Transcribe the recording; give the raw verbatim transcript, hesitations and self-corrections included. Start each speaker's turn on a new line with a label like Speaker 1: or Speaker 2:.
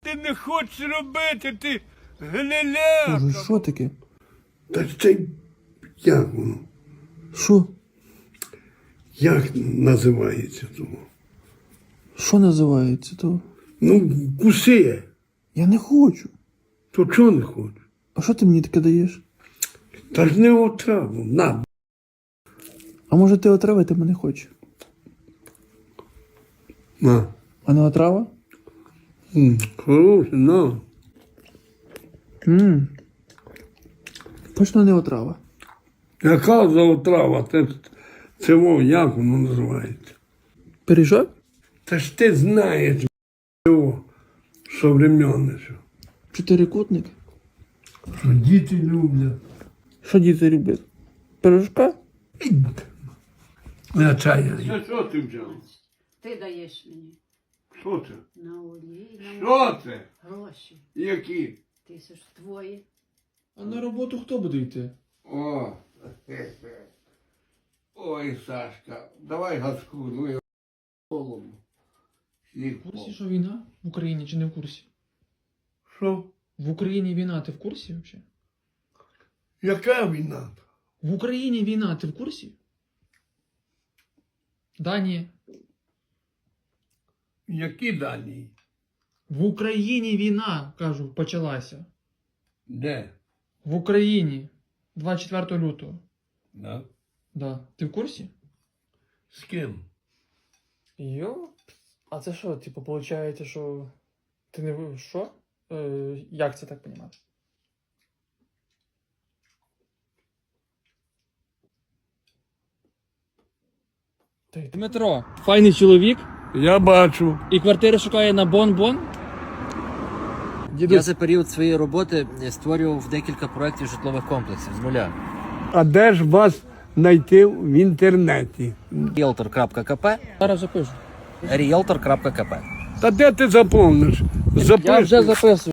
Speaker 1: ти не хочеш робити, ти гниляка.
Speaker 2: Боже, що таке?
Speaker 3: Та це як воно?
Speaker 2: Що?
Speaker 3: Як називається того?
Speaker 2: Що називається то?
Speaker 3: Ну, куси.
Speaker 2: Я не хочу.
Speaker 3: То чого не хочеш?
Speaker 2: А що ти мені таке даєш?
Speaker 3: Та ж не отраву. На.
Speaker 2: А може ти отравити мене хочеш?
Speaker 3: На.
Speaker 2: А не отрава?
Speaker 3: М, Хороше, на.
Speaker 2: Ммм. Точно не отрава.
Speaker 3: Яка за отрава? Це, це во, як воно називається?
Speaker 2: Пиріжок?
Speaker 3: Та ж ти знаєш, його, современне, що.
Speaker 2: Чотирикутник?
Speaker 3: Що діти люблять.
Speaker 2: Що діти люблять? Пиріжка?
Speaker 3: Я чаю.
Speaker 1: Це що ти взяв?
Speaker 4: Ти даєш мені
Speaker 1: Що це?
Speaker 4: на олій, на
Speaker 1: Що це?
Speaker 4: гроші.
Speaker 1: Які?
Speaker 4: Тисяч твої.
Speaker 2: А на роботу хто буде йти?
Speaker 1: О, хе-хе. Ой, Сашка, давай газку, ну я холодно. Сніг
Speaker 5: В курсі,
Speaker 1: впав.
Speaker 5: що війна в Україні чи не в курсі?
Speaker 3: Що?
Speaker 5: В Україні війна, ти в курсі взагалі?
Speaker 3: Яка війна?
Speaker 5: В Україні війна, ти в курсі? Да, ні.
Speaker 3: Які дані?
Speaker 5: В Україні війна, кажу, почалася.
Speaker 3: Де?
Speaker 5: В Україні. двадцять четвертого лютого.
Speaker 3: Да.
Speaker 5: Да. Ти в курсі?
Speaker 3: З ким?
Speaker 5: Йо? А це що, типу, виходить, що ти не що? Е, як це так розуміти? Дмитро, файний чоловік
Speaker 3: Я бачу.
Speaker 5: і квартири шукає на бон-бон.
Speaker 6: Я за період своєї роботи створював декілька проєктів житлових комплексів з нуля.
Speaker 3: А де ж вас знайти в інтернеті?
Speaker 6: ріелтор крапка ка пе,
Speaker 5: Зараз запишу.
Speaker 6: ріелтор крапка ка пе.
Speaker 3: Та де ти заповниш?
Speaker 5: Я
Speaker 3: Запиши.
Speaker 5: вже записую.